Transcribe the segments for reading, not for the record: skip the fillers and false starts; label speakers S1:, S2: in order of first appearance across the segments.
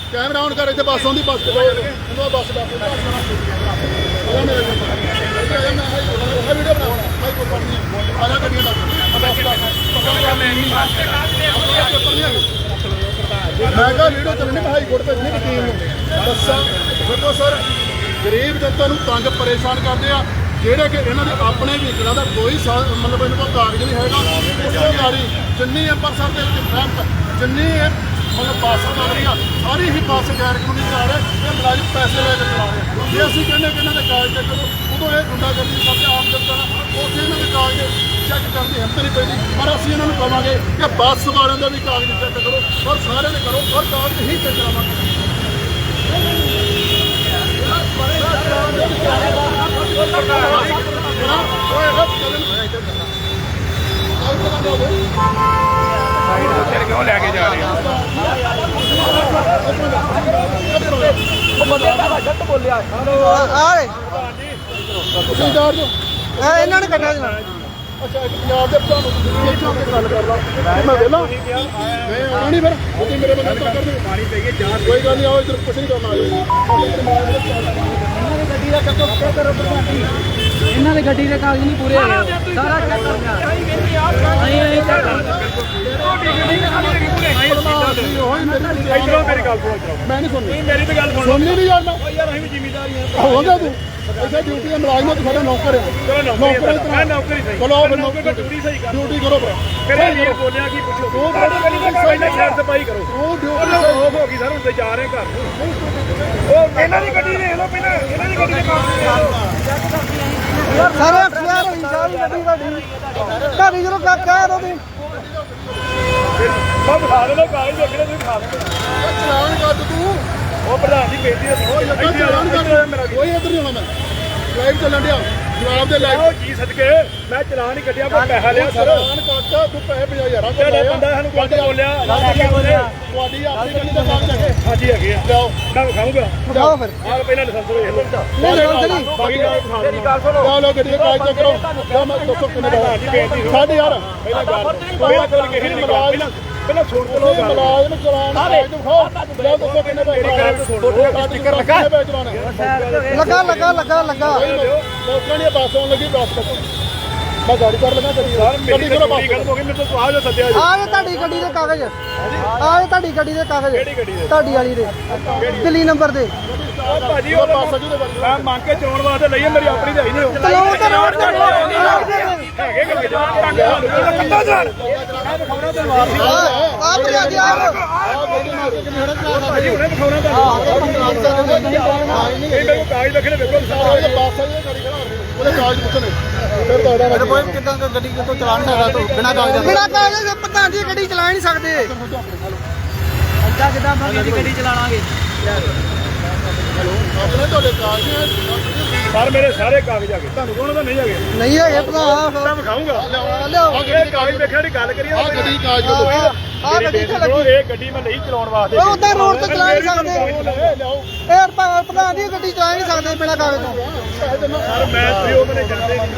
S1: Camera on कर, इतने बस आँदी, बस बस मैं कहा वीडियो चलनी, मैं हाईकोर्ट भेजनी टीम बसा देखो सर, गरीब जनता तंग परेशान करते हैं ਜਿਹੜੇ ਕਿ ਇਹਨਾਂ ਦੇ ਆਪਣੇ ਵਹੀਕਲਾਂ ਦਾ ਕੋਈ ਮਤਲਬ ਇਹਨਾਂ ਕੋਲ ਕਾਗਜ਼ ਨਹੀਂ ਹੈਗਾ। ਉਸ ਤੋਂ ਗਾੜੀ ਜਿੰਨੀ ਅੰਮ੍ਰਿਤਸਰ ਦੇ ਵਿੱਚ ਰੈਂਪ ਜਿੰਨੀ ਮਤਲਬ ਬੱਸ ਚੱਲ ਰਹੀ ਆ, ਸਾਰੀ ਹੀ ਬੱਸ ਗੈਰ ਕਾਨੂੰਨੀ ਚਲਾ ਰਹੇ, ਇਹ ਮੁਲਾਜ਼ਮ ਪੈਸੇ ਲੈ ਕੇ ਚਲਾ ਰਹੇ। ਜੇ ਅਸੀਂ ਕਹਿੰਦੇ ਕਿ ਇਹਨਾਂ ਦੇ ਕਾਗਜ਼ ਚੈੱਕ ਕਰੋ, ਉਦੋਂ ਇਹ ਗੁੰਡਾਗਰਦੀ ਕਰਦੇ ਆਮ ਜਨਤਾ ਨਾਲ, ਉੱਥੇ ਇਹਨਾਂ ਦੇ ਕਾਗਜ਼ ਚੈੱਕ ਕਰਨ ਦੀ ਹਿੰਮਤ ਨਹੀਂ ਪੈਂਦੀ। ਪਰ ਅਸੀਂ ਇਹਨਾਂ ਨੂੰ ਕਹਾਂਗੇ ਕਿ ਬੱਸ ਵਾਲਿਆਂ ਦਾ ਵੀ ਕਾਗਜ਼ ਚੈੱਕ ਕਰੋ, ਔਰ ਸਾਰਿਆਂ ਦੇ ਕਰੋ, ਔਰ ਕਾਗਜ਼ ਹੀ ਚੈੱਕ ਕਰਾਵਾਂਗੇ।
S2: क्यों लेके जा रहे हैं?
S1: ਇਹਨਾਂ ਨੇ ਕੱਢਿਆ ਜਨਾ। ਅੱਛਾ ਪੰਜਾਬ ਦੇ ਤੁਹਾਨੂੰ ਇੱਥੋਂ ਤੇ ਗੱਲ ਕਰ ਲਾ, ਮੈਂ ਵੇਲਾ ਮੈਂ ਆਉਣਾ ਨਹੀਂ ਫਿਰ ਤੁਸੀਂ ਮੇਰੇ ਬੰਦੇ ਤਾਂ ਕਰ ਦੇ ਪਾਣੀ ਪੈ ਗਈ ਜਾਂ ਕੋਈ ਗੱਲ ਨਹੀਂ, ਆਓ ਇੱਧਰ ਕੁਛ ਨਹੀਂ ਕਰਨਾ। ਆ ਜਾਓ ਇਹਨਾਂ ਦੀ ਗੱਡੀ ਦਾ ਚੱਕੋ ਕਰੋ ਪ੍ਰਧਾਨ, ਇਹਨਾਂ ਦੀ ਗੱਡੀ ਦੇ ਕਾਗਜ਼ ਨਹੀਂ ਪੂਰੇ ਹੋਏ, ਸਾਰਾ ਚੈੱਕ ਕਰਨਾ। ਮੇਰੀ ਗੱਲ ਸੁਣੋ, ਮੈਂ ਨਹੀਂ ਸੁਣਨੀ, ਮੇਰੀ ਤਾਂ ਗੱਲ ਸੁਣਨੀ ਨਹੀਂ ਯਾਰ। ਮੈਂ ਯਾਰ ਅਸੀਂ ਵੀ ਜ਼ਿੰਮੇਦਾਰੀ ਹੋਵਾਂਗਾ, ਤੂੰ ਇੱਥੇ ਡਿਊਟੀ ਦਾ ਮੁਲਾਜ਼ਮ ਤੂੰ ਸਾਡਾ ਨੌਕਰ ਹੈ। ਚਲੋ ਨੌਕਰੀ ਸਹੀ, ਚਲੋ ਫਿਰ ਨੌਕਰੀ ਡਿਊਟੀ ਸਹੀ ਕਰ, ਡਿਊਟੀ ਕਰੋ ਫਿਰ ਇਹ ਬੋਲਿਆ ਕੀ ਪੁੱਛੋ, ਉਹ ਪਹਿਲਾਂ ਸਾਫ ਸਫਾਈ ਕਰੋ। ਉਹ ਡਿਊਟੀ ਹੋ ਗਈ ਸਰ, ਹੁੰਦੇ ਜਾ ਰਹੇ ਘਰ ਨੂੰ। ਉਹ ਇਹਨਾਂ ਦੀ ਗੱਡੀ ਦੇਖ ਲਓ ਪਹਿਲਾਂ, ਇਹਨਾਂ ਦੀ ਗੱਡੀ ਦੇ ਕਾਗਜ਼ ਸਾਰੇ ਐਫਆਰ ਹੋਈ ਸਾਰੀ ਗੱਡੀ ਤੁਹਾਡੀ ਜਦੋਂ ਕਹਿ ਦੋ ਤੁਸੀਂ ਮੈਂ ਬਿਠਾ ਦੇਣਾ ਕਾਗਜ਼ ਦੇਖਣੇ, ਤੁਸੀਂ ਖਾ ਦੇਣਾ ਚਲਾਨ ਕਰ ਤੂੰ। ਉਹ ਪ੍ਰਧਾਨ ਜੀ ਬੇਇੱਜ਼ਤੀ ਦੱਸੋ, ਚਲਾਨ ਕਰ ਮੇਰਾ ਕੋਈ ਇੱਧਰ ਨਹੀਂ ਆਉਣਾ। ਮੈਂ ਲਾਈਵ ਚੱਲਣ ਡਿਆ, ਜਵਾਬ ਦੇ ਲਾਈਵ ਜੀ ਸਦਕੇ ਮੈਂ ਚਲਾਨ ਹੀ ਕੱਢਿਆ, ਮੈਂ ਪੈਸਾ ਲਿਆ ਸਰ। ਚਲਾਨ ਕੱਟ ਤੂੰ ਪੈਸੇ 50,000 ਤੁਹਾਡਾ ਬੰਦਾ ਸਾਨੂੰ ਕੁਝ ਬੋਲਿਆ, ਤੁਹਾਡੀ ਆਪਣੀ ਗੱਡੀ ਦਾ ਕੰਮ ਚੱਕੇ। ਹਾਂਜੀ ਹੈਗੇ ਆ, ਲਿਆਓ ਮੈਂ ਵਿਖਾਊਂਗਾ। ਲਿਆਓ ਫਿਰ ਆਹ ਪਹਿਲਾਂ ਲਾਇਸੈਂਸ ਵੇਖ ਲਓ, ਬਾਕੀ ਕਾਗਜ਼ ਵਿਖਾ ਦਿਓ। ਲਓ ਗੱਡੀ ਦੇ ਕਾਗਜ਼ ਚੈੱਕ ਕਰੋ। ਮੈਂ ਦੱਸੋ ਕਿੰਨੇ ਦਾ ਜੀ ਬੇਇੱਜ਼ਤੀ 6000 ਪਹਿਲਾਂ ਗੱਲ ਕੋਈ ਕੋਲ ਕਿਸੇ ਨੇ ਪਹਿਲਾਂ ਸੁਣ ਲਓ ਮੁਲਾਜ਼ਮ ਚਲਾਨ ਕਾਗਜ਼ ਦਿਖਾਓ। ਲਓ ਦੱਸੋ ਕਿੰਨੇ ਦਾ ਸਟicker ਲੱਗਾ ਲੋਕਾਂ ਦੀ ਬੱਸ ਆਉਣ ਲੱਗੀ, ਬੱਸ ਮੈਂ ਗਾੜੀ ਕਰ ਲਗਾ ਕਰੀ ਗੱਡੀ ਕਰੋ। ਬੱਸ ਹੋ ਗਈ, ਮੈਨੂੰ ਤਾਂ ਆ ਜਾ ਸੱਦਿਆ ਜੀ। ਆ ਤੁਹਾਡੀ ਗੱਡੀ ਦੇ ਕਾਗਜ਼, ਆ ਤੁਹਾਡੀ ਗੱਡੀ ਦੇ ਕਾਗਜ਼, ਕਿਹੜੀ ਗੱਡੀ ਦੇ? ਤੁਹਾਡੀ ਵਾਲੀ ਦੇ ਦਿੱਲੀ ਨੰਬਰ ਦੇ। ਭਾਜੀ ਉਹ ਬੱਸ ਅਜੂ ਦੇ ਮੈਂ ਮੰਗ ਕੇ ਚੋਣ ਵਾਸਤੇ ਲਈ, ਮੇਰੀ ਆਪਣੀ ਤਾਂ ਹੀ ਨਹੀਂ। ਚਲਾਓ ਤੇ ਰੋਡ ਤੇ ਹੈਗੇ ਕਿ ਜਵਾਨ ਟੰਗ ਕੱਟਾ ਜਾਣ ਆ ਬਜਾ ਦੀ ਆ ਭਾਜੀ ਹੁਣੇ ਦਿਖਾਉਣਾ ਤੁਹਾਨੂੰ। ਇਹ ਮੇਰੇ ਕਾਗਜ਼ ਰੱਖਣੇ ਵੇਖੋ, ਸਾਰੇ ਬੱਸ ਵਾਲੀ ਗੱਡੀ ਖੜਾ ਉਹਦੇ ਕਾਗਜ਼ ਪੁੱਛਣੇ, ਫਿਰ ਤੁਹਾਡਾ ਕੋਈ ਕਿੱਦਾਂ ਗੱਡੀ ਕਿਤੋਂ ਚਲਾ ਨਹੀਂ ਸਕਦਾ ਤੂੰ ਬਿਨਾਂ ਕਾਗਜ਼ ਪ੍ਰਧਾਨ ਜੀ ਗੱਡੀ ਚਲਾ ਨਹੀਂ ਸਕਦੇ। ਅੱਛਾ ਕਿੱਦਾਂ ਬੰਦੀ ਗੱਡੀ ਚਲਾਵਾਂਗੇ? ਆਪਣੇ ਤੁਹਾਡੇ ਕਾਗਜ਼ ਸਰ, ਮੇਰੇ ਸਾਰੇ ਕਾਗਜ਼ ਆ ਗਏ, ਤੁਹਾਨੂੰ ਕੋਣ ਦਾ ਨਹੀਂ ਹੈਗੇ? ਨਹੀਂ ਹੈਗੇ ਪ੍ਰਧਾਨ, ਮੈਂ ਵਿਖਾਊਂਗਾ। ਲਿਆਓ ਇਹ ਕਾਗਜ਼ ਦੇਖਿਆ ਦੀ ਗੱਲ ਕਰੀਏ। ਆ ਗੱਡੀ ਕਾਗਜ਼ ਆ ਗੱਡੀ ਤੇ ਲੱਗੀ, ਇਹ ਗੱਡੀ ਮੈਂ ਨਹੀਂ ਚਲਾਉਣ ਵਾਸਤੇ। ਉਹ ਉਦਾਂ ਰੋਡ ਤੇ ਚਲਾ ਨਹੀਂ ਸਕਦੇ। ਲਿਆਓ ਇਹ ਪ੍ਰਧਾਨ ਜੀ ਗੱਡੀ ਚਲਾ ਨਹੀਂ ਸਕਦੇ ਬਿਨਾਂ ਕਾਗਜ਼ ਤੋਂ। ਸਰ ਮੈਂ ਤੁਸੀਂ ਉਹ ਮੈਨੂੰ ਜਾਣਦੇ ਨਹੀਂ।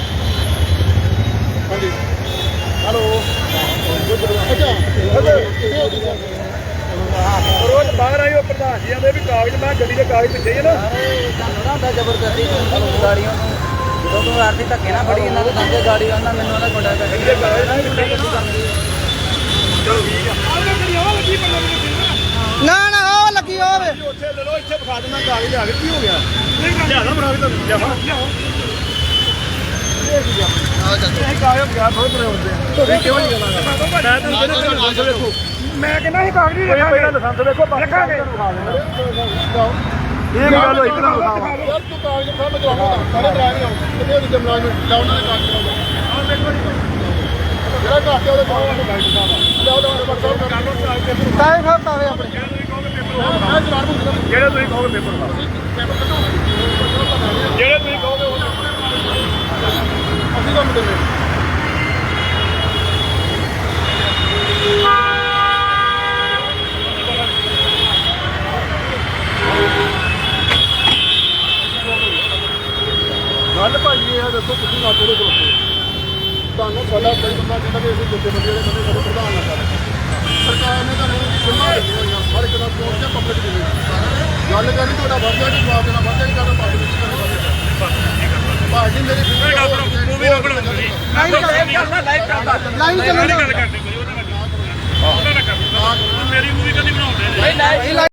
S1: ਹਾਂਜੀ ਹੈਲੋ ਰੋਜ਼ ਬਾਹਰ ਆਈ ਉਹ ਪ੍ਰਧਾਨ ਜੀ ਆਂਦੇ ਵੀ ਕਾਗਜ਼, ਮੈਂ ਗੱਡੀ ਦੇ ਕਾਗਜ਼ ਪਿੱਛੇ ਹੀ ਨਾ ਤੁਹਾਨੂੰ ਨਾ ਹੁੰਦਾ ਜ਼ਬਰਦਸਤੀ ਗਾੜੀਆਂ ਨੂੰ ਜਦੋਂ ਤੂੰ ਆਰਤੀ ਧੱਕੇ ਨਾ ਫੜੀ ਇਹਨਾਂ ਦੇ ਦੰਦੇ ਗਾੜੀ ਉਹਨਾਂ ਮੈਨੂੰ ਉਹਨਾਂ ਗੁੰਡਾ ਕਰ ਚਲੋ ਠੀਕ ਆ ਨਾ ਨਾ ਉਹ ਲੱਗੀ ਹੋਵੇ ਉੱਥੇ ਲੈ ਲਓ, ਇੱਥੇ ਵਿਖਾ ਦੇਣਾ ਕਾਗਜ਼ ਆ ਗਏ। ਕੀ ਹੋ ਗਿਆ? ਲਿਆਦਾ ਬਣਾ ਕੇ ਤਾਂ ਲਿਆਵਾ ਇਹ ਕਾਗਜ਼ ਗਿਆ ਬਹੁਤ ਬੜੇ ਹੁੰਦੇ ਆ। ਤੁਸੀਂ ਕਿਉਂ ਨਹੀਂ ਕਰਾਂਗਾ? ਮੈਂ ਤੁਹਾਨੂੰ ਕਹਿੰਦਾ ਲਾਇਸੈਂਸ ਵੇਖੋ, ਮੈਂ ਕਹਿੰਦਾ ਸੀ ਕਾਗਜ਼ ਨਹੀਂ ਪਹਿਲਾਂ ਲਾਇਸੈਂਸ ਵੇਖੋ, ਰੱਖਾਂਗੇ ਇਹ ਗੱਲ ਹੋਈ ਕਿਦਾਂ ਵਿਖਾਵਾਂ ਯਾਰ। ਤੂੰ ਕਾਗਜ਼ ਦਿਖਾ, ਮੈਂ ਚਲਾਉਂਦਾ ਸਾਰੇ ਡਰਾਈਵਰ ਆਉਂ ਕਿਤੇ ਵੀ ਜਮਲਾ ਨੂੰ ਲਾਉਣਾ ਦੇ ਕਾਗਜ਼ ਲਾਉਂਦਾ। ਆਹ ਦੇਖੋ ਜੀ ਜਿਹੜਾ ਘਾਟੇ ਉਹਦੇ ਕੋਲ ਗਾਈਡ ਸਾਹਿਬ ਲਿਆਓ ਨੰਬਰ ਸਾਹਿਬ ਕਰ ਲਓ ਕਾਗਜ਼ ਪੇਪਰ ਕਾਗਜ਼ ਸਾਹਿਬ ਕਾਵੇ ਆਪਣੇ ਮੈਂ ਚਲਾਣ ਦੂੰਗਾ। ਜਿਹੜੇ ਤੁਸੀਂ ਕਹੋਗੇ ਪੇਪਰ ਲਾ ਪੇਪਰ ਕੱਢੋ, ਜਿਹੜੇ ਤੁਸੀਂ ਕਹੋਗੇ ਉਹ ਅਸੀਂ ਕੰਮ ਦਿੰਦੇ। ਗੱਲ ਭਾਈ ਇਹ ਦੱਸੋ ਤੁਸੀਂ ਨਾ ਕੋਲ ਤੁਹਾਨੂੰ ਸਾਡਾ ਕੋਈ ਬੰਦਾ ਕਹਿੰਦਾ ਕਿ ਅਸੀਂ ਜਿੱਤੇ ਬੰਦੇ ਜਿਹੜੇ ਬੰਦੇ ਸਾਡੇ ਪ੍ਰਧਾਨ ਨਾ ਕਰ ਸਰਕਾਰ ਨੇ ਤੁਹਾਨੂੰ ਜਿੰਨਾ ਹਰ ਇੱਕ ਦਾ ਪਹੁੰਚ ਕੇ ਗੱਲ ਕਰਨੀ ਤੁਹਾਡਾ ਵਰਜਾ ਨਹੀਂ ਜਵਾਬ ਦੇਣਾ ਵਰਜਾ ਨਹੀਂ ਕਰਨਾ ਪੱਗ ਵਿੱਚ ਭਾਜੀ ਮੇਰੀ
S2: ਮੂਵੀ ਨਾ ਬਣਾਉਂਦੇ ਜੀ
S3: ਲਾਈਵ ਚੱਲਣ
S2: ਗੱਲ ਕਰਦੇ ਕੋਈ ਉਹਦੇ ਨਾਲ ਕਰ ਮੇਰੀ ਮੂਵੀ ਕਦੀ ਬਣਾਉਂਦੇ ਨੇ